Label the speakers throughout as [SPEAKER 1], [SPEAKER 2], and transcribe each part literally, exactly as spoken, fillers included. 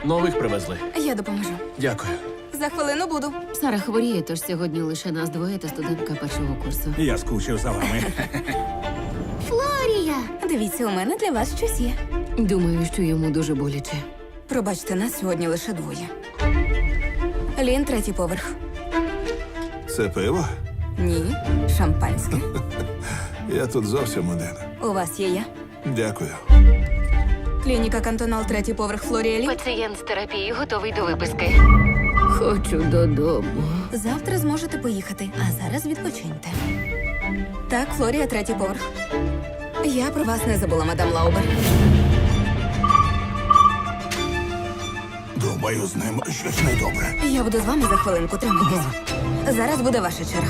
[SPEAKER 1] Нових привезли.
[SPEAKER 2] Я допоможу.
[SPEAKER 1] Дякую.
[SPEAKER 2] За хвилину буду.
[SPEAKER 3] Сара хворіє, тож сьогодні лише нас двоє та студентка першого курсу.
[SPEAKER 4] Я скучив за вами.
[SPEAKER 2] Флорія! Дивіться, у мене для вас щось є.
[SPEAKER 3] Думаю, що йому дуже боляче.
[SPEAKER 2] Пробачте, нас сьогодні лише двоє. Лін, третій поверх.
[SPEAKER 5] Це пиво?
[SPEAKER 2] Ні, шампанське.
[SPEAKER 5] Я тут зовсім один.
[SPEAKER 2] У вас є я.
[SPEAKER 5] Дякую.
[SPEAKER 2] Клініка Кантонал, третій поверх, Флорія Лін.
[SPEAKER 3] Пацієнт з терапії готовий до виписки. Хочу додому.
[SPEAKER 2] Завтра зможете поїхати, а зараз відпочиньте. Так, Флорія, третій поверх. Я про вас не забула, мадам Лаубер.
[SPEAKER 4] Думаю, з ним щось недобре.
[SPEAKER 2] Я буду з вами за хвилинку, тримайтеся. Зараз буде ваша черга.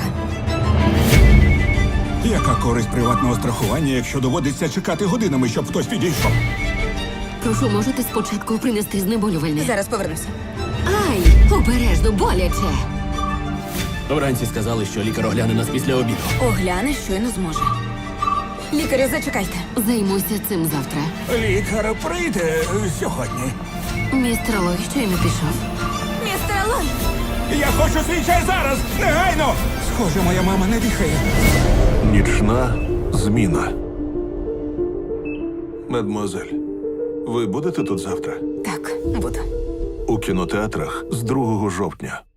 [SPEAKER 4] Яка користь приватного страхування, якщо доводиться чекати годинами, щоб хтось підійшов?
[SPEAKER 3] Прошу, можете спочатку принести знеболювальне?
[SPEAKER 2] Зараз повернуся.
[SPEAKER 3] Ай, обережно, боляче.
[SPEAKER 1] Вранці сказали, що лікар огляне нас після обіду.
[SPEAKER 2] Огляне, щойно зможе. Лікарю, зачекайте.
[SPEAKER 3] Займуся цим завтра.
[SPEAKER 4] Лікар прийде сьогодні.
[SPEAKER 3] Містер Лой щойно пішов.
[SPEAKER 2] Містер Лой!
[SPEAKER 4] Я хочу свій чай зараз! Негайно! Схоже, моя мама не дихає.
[SPEAKER 5] Нічна зміна. Мадмуазель, ви будете тут завтра?
[SPEAKER 2] Так, буду.
[SPEAKER 5] У кінотеатрах з другого жовтня.